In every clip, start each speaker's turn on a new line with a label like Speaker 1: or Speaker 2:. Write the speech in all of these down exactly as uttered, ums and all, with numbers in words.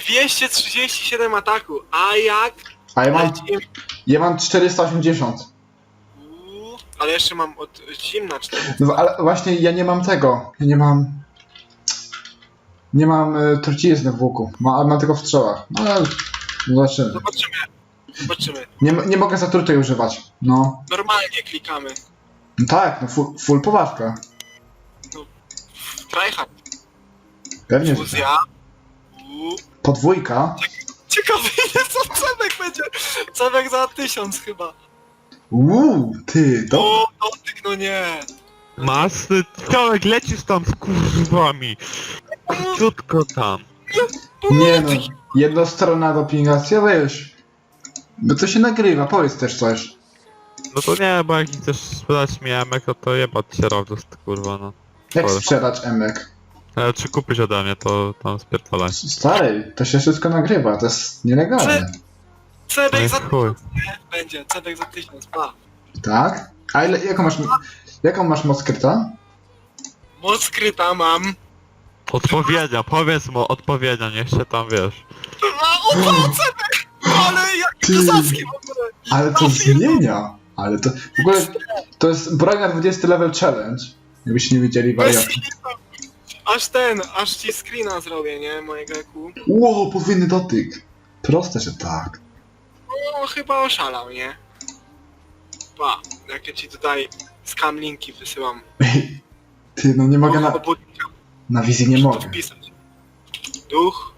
Speaker 1: dwieście trzydzieści siedem ataku, a jak?
Speaker 2: A ja mam,
Speaker 1: Lecimy.
Speaker 2: ja mam czterysta osiemdziesiąt.
Speaker 1: Uuu, ale jeszcze mam od zimna cztery.
Speaker 2: No ale właśnie ja nie mam tego. Ja nie mam... Nie mam y, trucizny w łuku. Ma, mam tylko w strzałach. No ale... Zobaczymy.
Speaker 1: Zobaczymy. Zobaczymy.
Speaker 2: Nie, nie mogę zatrutej używać. No.
Speaker 1: Normalnie klikamy.
Speaker 2: No tak, no full, full poważka.
Speaker 1: Tryhard.
Speaker 2: Pewnie, że tak.
Speaker 1: Fuzja. Uuu.
Speaker 2: Podwójka.
Speaker 1: Ciekawy ile co Cebek będzie. Cebek za tysiąc chyba.
Speaker 2: Uuu, ty, do...
Speaker 1: O, dotyk, no nie.
Speaker 3: Masz, ty Ciołek, lecisz tam z kurwami. Krótko tam.
Speaker 2: Nie no, jednostronna dopingacja, weź. Bo to się nagrywa, powiedz też coś.
Speaker 3: No to nie, bo jak chcesz sprzedać mi emek, to to jebać się robisz, kurwa, no.
Speaker 2: Jak
Speaker 3: Dobra.
Speaker 2: sprzedać emek?
Speaker 3: Ale czy kupisz ode mnie, to tam spierdolaj.
Speaker 2: Stary, to się wszystko nagrywa, to jest nielegalne.
Speaker 1: Cebek
Speaker 3: No
Speaker 1: za
Speaker 3: i chuj.
Speaker 1: tysiąc, nie? Będzie, Cebek za tysiąc, pa.
Speaker 2: Tak? A ile, jaką masz, jaką masz moc kryta?
Speaker 1: Moc skryta mam.
Speaker 3: Odpowiednia, powiedz mu odpowiednia, niech się tam wiesz.
Speaker 1: A, o, o, Cebek! Ale jak
Speaker 2: Ty.
Speaker 1: kozacki w ogóle.
Speaker 2: Ale to zmienia. Ale to, w ogóle, to jest broń na dwudziesty level challenge. Jakbyście nie wiedzieli wariatów.
Speaker 1: Aż ten, aż ci screena zrobię, nie? Mojego E Q.
Speaker 2: Ło, podwójny dotyk. Proste, że tak.
Speaker 1: No, chyba oszalał, nie? Pa, jak ja ci tutaj scam linki wysyłam.
Speaker 2: Ej, ty, no nie mogę na,
Speaker 1: Obudnika,
Speaker 2: na wizji nie
Speaker 1: muszę to
Speaker 2: mogę.
Speaker 1: wpisać. Duch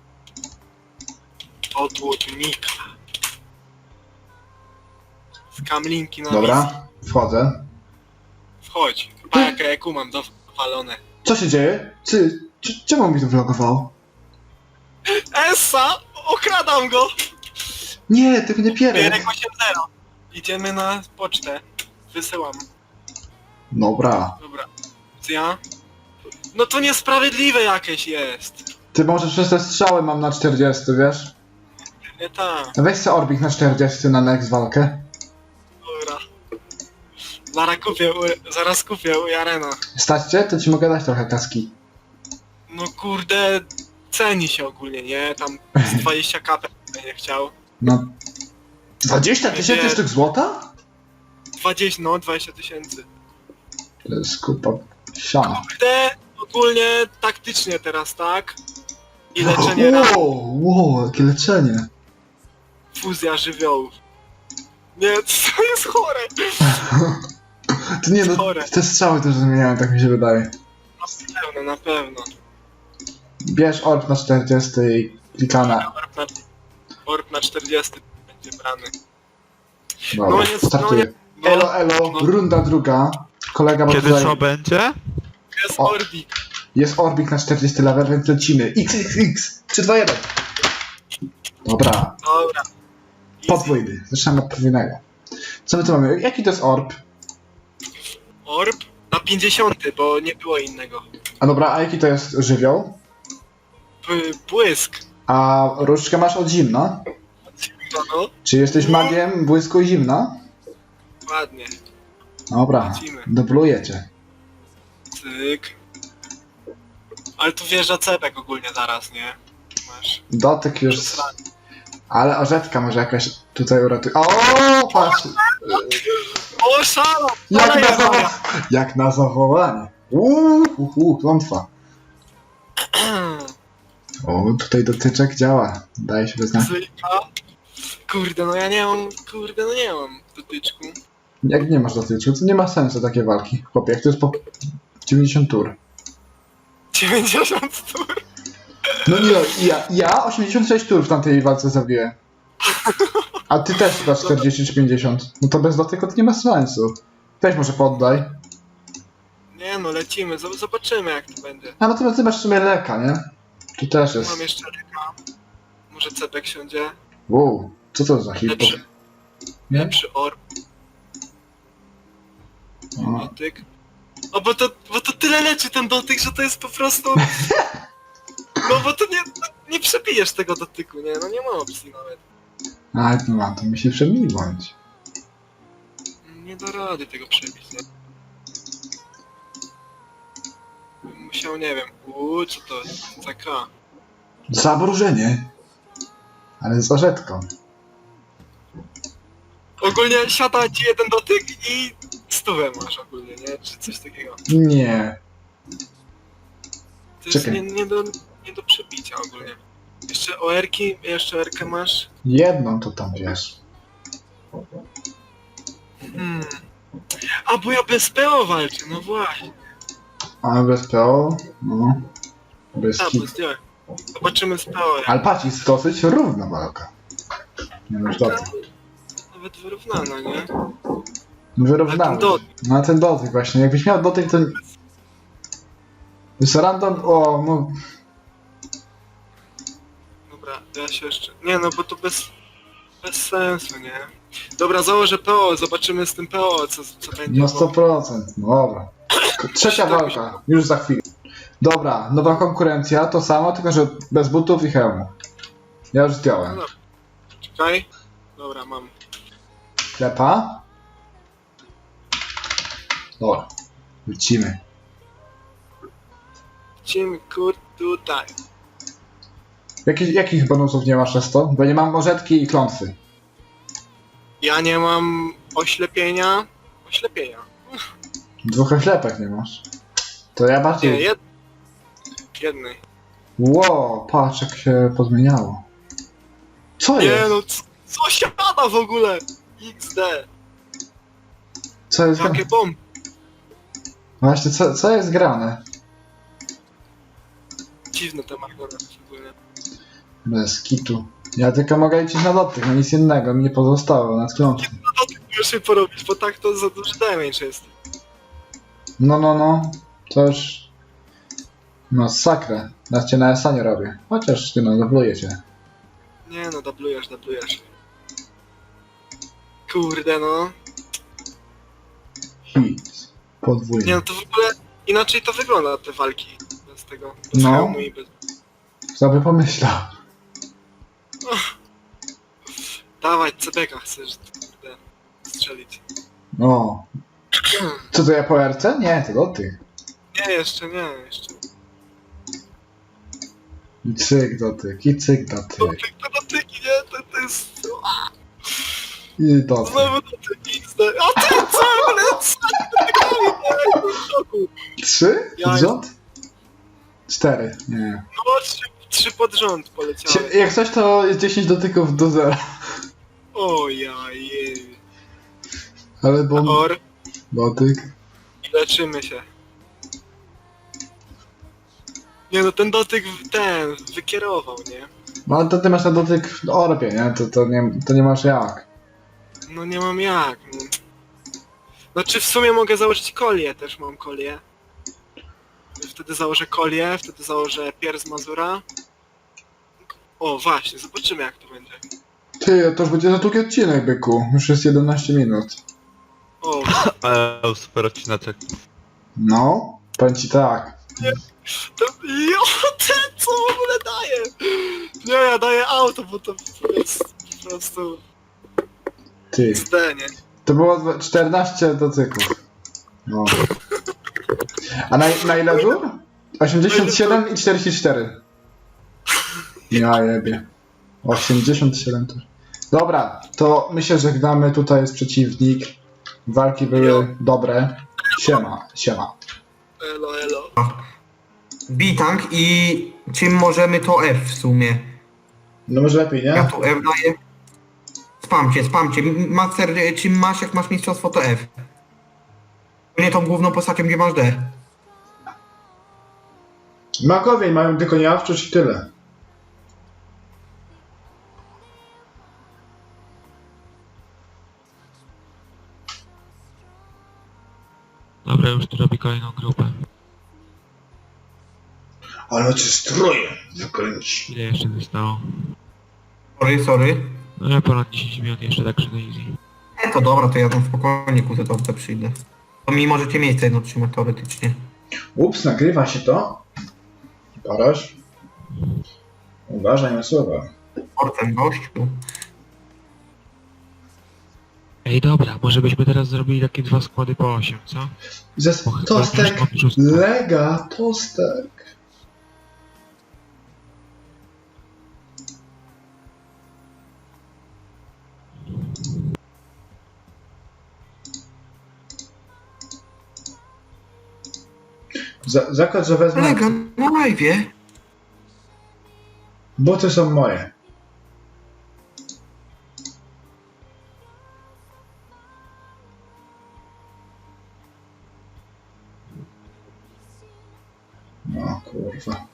Speaker 1: obłudnika. Scam linki na wizji.
Speaker 2: Dobra, wchodzę.
Speaker 1: Wchodź. Pa, jakie E Q mam dowalone.
Speaker 2: Co się dzieje? Ty, c- czemu mi to vlogowało?
Speaker 1: Essa! Okradam go!
Speaker 2: Nie, ty mnie pierek.
Speaker 1: Pierek osiem zero. Idziemy na pocztę. Wysyłam.
Speaker 2: Dobra.
Speaker 1: Dobra. Co ja? No to niesprawiedliwe jakieś jest.
Speaker 2: Ty może przez te strzały mam na czterdzieści, wiesz?
Speaker 1: Nie tak.
Speaker 2: Weź se Orbik na czterdzieści na next walkę.
Speaker 1: Dobra. Zaraz kupię, u, zaraz kupię u Jarena.
Speaker 2: Stać cię? To ci mogę dać trochę kaski.
Speaker 1: No kurde, ceni się ogólnie, nie? Tam z dwadzieścia kapek nie chciał.
Speaker 2: No. dwadzieścia tysięcy
Speaker 1: Nie.
Speaker 2: sztuk złota?
Speaker 1: dwadzieścia, no dwadzieścia tysięcy.
Speaker 2: To jest kupa siana.
Speaker 1: Kurde, ogólnie taktycznie teraz, tak? I leczenie ran,
Speaker 2: Wow, wow, jakie leczenie.
Speaker 1: fuzja żywiołów. Nie, to jest chore.
Speaker 2: To nie no,
Speaker 1: Chore.
Speaker 2: te strzały też zmieniają, tak mi się wydaje.
Speaker 1: Na pewno, na pewno.
Speaker 2: Bierz Orb na czterdzieści i klikana.
Speaker 1: Orb na, orb na czterdzieści będzie brany.
Speaker 2: Dobra,
Speaker 1: No nie,
Speaker 2: startuję.
Speaker 1: no nie,
Speaker 2: Elo, elo,
Speaker 1: no.
Speaker 2: runda druga. Kolega ma
Speaker 3: Kiedy
Speaker 2: tutaj...
Speaker 3: co będzie?
Speaker 1: Jest
Speaker 2: O.
Speaker 1: Orbik.
Speaker 2: Jest Orbik na czterdzieści level, więc lecimy. X, X, X. trzy, dwa, jeden. Dobra,
Speaker 1: Dobra. Easy.
Speaker 2: podwójny. Zaczynamy od podwójnego. Co my tu mamy? Jaki to jest Orb?
Speaker 1: Orb na pięćdziesiąty, bo nie było innego.
Speaker 2: A dobra, a jaki to jest żywioł?
Speaker 1: B błysk.
Speaker 2: A różdżkę masz od zimna?
Speaker 1: No, no,
Speaker 2: Czy jesteś magiem błysku i zimna?
Speaker 1: ładnie.
Speaker 2: Dobra,
Speaker 1: Lecimy.
Speaker 2: dublujecie.
Speaker 1: Cyk. Ale tu wjeżdża Cebek ogólnie zaraz, nie? Masz.
Speaker 2: Dotyk już... Ale orzetka może jakaś tutaj uratuje. O, patrz!
Speaker 1: O, szalo!
Speaker 2: Jak
Speaker 1: Ale
Speaker 2: na,
Speaker 1: ja
Speaker 2: zawo... Jak na zawołanie. Uuu, uuu, klątwa. O, tutaj dotyczek działa. Daje się wyznać.
Speaker 1: Cyka. Kurde, no ja nie mam, kurde, no nie mam dotyczku.
Speaker 2: Jak nie masz dotyczu, to nie ma sensu takie walki. Chłopie, jak to jest po dziewięćdziesiąt tur.
Speaker 1: dziewięćdziesiąt tur.
Speaker 2: No nie, ja, ja osiemdziesiąt sześć tur w tamtej walce zabiłem. A ty też chyba czterdzieści czy pięćdziesiąt. No to bez dotyku to nie ma sensu. Weź może poddaj.
Speaker 1: Nie no, lecimy, zob- zobaczymy jak to będzie.
Speaker 2: A no to ty masz w sumie leka, nie? Tu też jest.
Speaker 1: Mam jeszcze ryka. Może Cebek siądzie.
Speaker 2: Wow, co to za hipo?
Speaker 1: Lepszy,
Speaker 2: Nie?
Speaker 1: lepszy orb.
Speaker 2: O.
Speaker 1: Dotyk. O, bo to, bo to tyle leczy ten dotyk, że to jest po prostu... No bo to nie, nie przebijesz tego dotyku, nie? No nie ma opcji nawet.
Speaker 2: A, no ma, to musi przemiłować.
Speaker 1: Nie da rady tego przebić, nie? Musiał, nie wiem, uuu, co to jest? C K.
Speaker 2: Zamrożenie. Ale z orzetką.
Speaker 1: Ogólnie siada ci jeden dotyk i stówę masz ogólnie, nie? Czy coś takiego.
Speaker 2: Nie.
Speaker 1: To jest
Speaker 2: Czekaj.
Speaker 1: nie, nie, do, nie do przebicia ogólnie. Jeszcze O R-ki, jeszcze O R-kę masz.
Speaker 2: Jedną to tam wiesz.
Speaker 1: Hmm. A bo ja bez P O walczę, no właśnie.
Speaker 2: A bez P O? No. Bez
Speaker 1: A,
Speaker 2: kit.
Speaker 1: bo zdjąłem. Zobaczymy z P O. jak-
Speaker 2: Ale patrz, jest dosyć równa walka. Nie wiem, dobrze.
Speaker 1: Nawet wyrównana, nie?
Speaker 2: Wyrównamy.
Speaker 1: Ale ten dotyk.
Speaker 2: No a ten dotyk właśnie. Jakbyś miał dotyk, to... Jest random... O, no...
Speaker 1: Dobra, ja się jeszcze... Nie no, bo to bez... Bez sensu, nie? Dobra, założę P O, zobaczymy z tym P O, co, co będzie.
Speaker 2: No sto procent. No dobra. Trzecia walka. Już za chwilę. Dobra, nowa konkurencja. To samo, tylko że bez butów i hełmu. Ja już
Speaker 1: No
Speaker 2: zdjąłem.
Speaker 1: dobra. Czekaj. Dobra, mam.
Speaker 2: Klepa. Dobra. Lecimy.
Speaker 1: Lecimy, kur... tutaj.
Speaker 2: Jakich, jakich bonusów nie masz przez to? Bo nie mam orzetki i klątwy.
Speaker 1: Ja nie mam oślepienia. Oślepienia.
Speaker 2: Dwóch oślepek nie masz. To ja
Speaker 1: Nie,
Speaker 2: bardziej...
Speaker 1: jed... jednej.
Speaker 2: Ło, patrz jak się pozmieniało. Co
Speaker 1: Nie
Speaker 2: jest?
Speaker 1: no, c- co siada w ogóle? X D.
Speaker 2: Co jest grane?
Speaker 1: Jakie bomby.
Speaker 2: Właśnie, co, co jest grane?
Speaker 1: Dziwne te margonety ogólnie.
Speaker 2: Bez kitu. Ja tylko mogę liczyć na dotyk, no nic innego mi nie pozostało, nad klątwą.
Speaker 1: No to ty musisz je porobić, bo tak to za duży damage jest.
Speaker 2: No, no, no. To już... No, sakrę. Ja cię na S A nie robię. Chociaż ty no, zabluję cię.
Speaker 1: Nie no, dublujesz, dublujesz. Kurde no.
Speaker 2: Hit. Podwójny.
Speaker 1: Nie no, to w ogóle inaczej to wygląda te walki. Bez tego, bez
Speaker 2: No.
Speaker 1: hełmu i bez...
Speaker 2: Kto by pomyślał?
Speaker 1: Dawaj, C B K chcesz, kurde, strzelić.
Speaker 2: O. Co to ja po R C? Nie, to dotyk.
Speaker 1: Nie, jeszcze nie, jeszcze.
Speaker 2: I cyk dotyk, i cyk dotyk.
Speaker 1: Dotyk, to dotyki, nie? To, to jest...
Speaker 2: I dotyk.
Speaker 1: Znowu dotyk X D. A ty co? Ale co? Dotykali, nie? Jestem w szoku.
Speaker 2: Trzy?
Speaker 1: Ja
Speaker 2: Rząd? Cztery. Nie.
Speaker 1: No, trzy, trzy pod rząd poleciały.
Speaker 2: Sie- Jak coś to jest dziesięć dotyków do zera.
Speaker 1: O ja jej.
Speaker 2: Ale bo...
Speaker 1: Or,
Speaker 2: Dotyk.
Speaker 1: leczymy się. Nie no, ten dotyk w- ten wykierował, nie?
Speaker 2: No ale to ty masz na dotyk w orbie, nie? To, to nie? to nie masz jak.
Speaker 1: No nie mam jak. No. Znaczy w sumie mogę założyć kolię, też mam kolię. Wtedy założę kolię, wtedy założę pier z Mazura. O właśnie, zobaczymy jak to będzie.
Speaker 2: Ty, to już będzie za długi odcinek, byku. Już jest jedenaście minut.
Speaker 1: O,
Speaker 3: Eee, super odcineczek.
Speaker 2: No, powiem ci tak.
Speaker 1: to... Jo, ty co w ogóle daje? Nie, ja daję auto, bo to jest po prostu
Speaker 2: Ty.
Speaker 1: Z D, nie?
Speaker 2: To było dwa- czternaście dotyków. No. A na, na ile dur? osiemdziesiąt siedem i czterdzieści cztery. Ja jebie. osiemdziesiąt siedem tur. Dobra, to my się żegnamy. Tutaj jest przeciwnik. Walki były dobre. Siema, siema.
Speaker 1: Elo, elo.
Speaker 4: Bitang i czym możemy to F w sumie?
Speaker 2: No może lepiej,
Speaker 4: Ja
Speaker 2: nie?
Speaker 4: tu F daję. Spamcie, spamcie. Master, czym masz, jak masz mistrzostwo to F. Nie tą główną postacią, gdzie masz D.
Speaker 2: Magowie mają tylko niejawczość i tyle.
Speaker 3: Dobra, już tu robi kolejną grupę.
Speaker 2: Ale cię stroje zakręci.
Speaker 3: Ile jeszcze zostało?
Speaker 4: Sorry, sorry.
Speaker 3: No ja ponad dziesięć minut jeszcze, tak na easy.
Speaker 4: E, to dobra, to ja tam spokojnie ku to przyjdę. To mi możecie miejsce jedno trzymać teoretycznie.
Speaker 2: Ups, nagrywa się to. Parasz. Uważaj na słowa.
Speaker 4: Ortem gościu.
Speaker 3: Ej, dobra, może byśmy teraz zrobili takie dwa składy po osiem, co?
Speaker 2: Zes
Speaker 3: Bo chyba
Speaker 2: tostek.
Speaker 3: już mam szóstkę.
Speaker 2: Lega, tostek. Za, zakład, że wezmę...
Speaker 4: Kolega, na live'ie.
Speaker 2: Buty są moje. No kurwa.